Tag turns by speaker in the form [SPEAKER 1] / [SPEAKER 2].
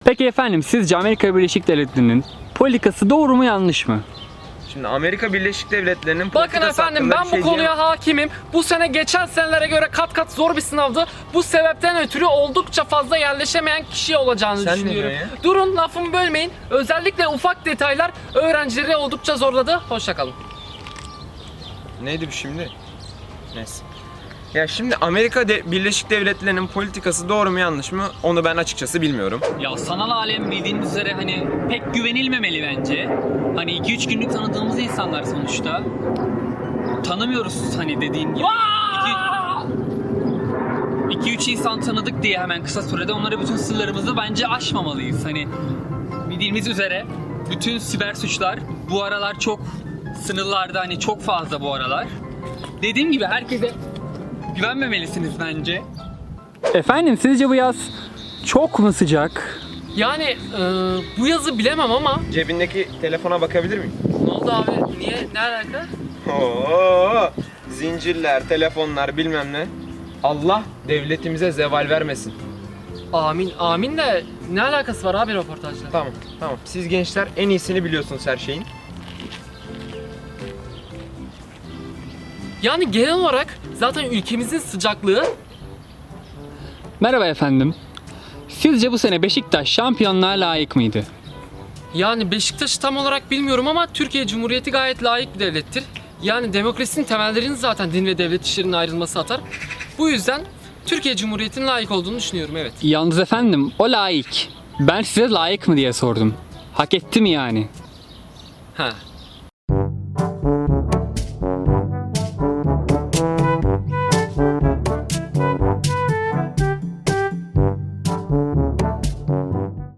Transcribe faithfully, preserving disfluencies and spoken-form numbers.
[SPEAKER 1] Peki efendim, sizce Amerika Birleşik Devletleri'nin politikası doğru mu yanlış mı?
[SPEAKER 2] Şimdi Amerika Birleşik Devletleri'nin
[SPEAKER 3] Bakın
[SPEAKER 2] politikası
[SPEAKER 3] efendim,
[SPEAKER 2] hakkında
[SPEAKER 3] ben
[SPEAKER 2] bir
[SPEAKER 3] bu
[SPEAKER 2] şey
[SPEAKER 3] konuya
[SPEAKER 2] diyemem.
[SPEAKER 3] hakimim. Bu sene geçen senelere göre kat kat zor bir sınavdı. Bu sebepten ötürü oldukça fazla yerleşemeyen kişi olacağını
[SPEAKER 2] Sen ne
[SPEAKER 3] düşünüyorum.
[SPEAKER 2] diyorsun ya?
[SPEAKER 3] Durun, lafımı bölmeyin. Özellikle ufak detaylar öğrencileri oldukça zorladı. Hoşça kalın.
[SPEAKER 2] Neydi bu şimdi? Neyse. Ya şimdi Amerika De- Birleşik Devletleri'nin politikası doğru mu yanlış mı? Onu ben açıkçası bilmiyorum.
[SPEAKER 4] Ya sanal alem bildiğiniz üzere hani pek güvenilmemeli bence. Hani iki üç günlük tanıdığımız insanlar sonuçta. Tanımıyoruz hani dediğin gibi. iki üç insan tanıdık diye hemen kısa sürede onlara bütün sırlarımızı bence aşmamalıyız. Hani bildiğimiz üzere bütün siber suçlar bu aralar çok sınırlarda, hani çok fazla bu aralar. Dediğim gibi herkese güvenmemelisiniz bence.
[SPEAKER 1] Efendim, sizce bu yaz çok mu sıcak?
[SPEAKER 3] Yani e, bu yazı bilemem ama
[SPEAKER 2] Cebindeki telefona bakabilir miyim?
[SPEAKER 3] ne oldu abi? Niye? Ne alaka?
[SPEAKER 2] Oo, zincirler, telefonlar bilmem ne. Allah devletimize zeval vermesin.
[SPEAKER 3] Amin. Amin de ne alakası var abi röportajla?
[SPEAKER 2] Tamam, tamam. Siz gençler en iyisini biliyorsunuz her şeyin.
[SPEAKER 3] Yani genel olarak zaten ülkemizin sıcaklığı.
[SPEAKER 1] Merhaba efendim. Sizce bu sene Beşiktaş şampiyonluğa layık mıydı?
[SPEAKER 3] Yani Beşiktaş'ı tam olarak bilmiyorum ama Türkiye Cumhuriyeti gayet layık bir devlettir. Yani demokrasinin temellerini zaten din ve devlet işlerinin ayrılması atar. Bu yüzden Türkiye Cumhuriyeti'nin layık olduğunu düşünüyorum, evet.
[SPEAKER 1] Yalnız efendim, o layık. Ben size layık mı diye sordum. Hak etti mi yani?
[SPEAKER 3] Ha.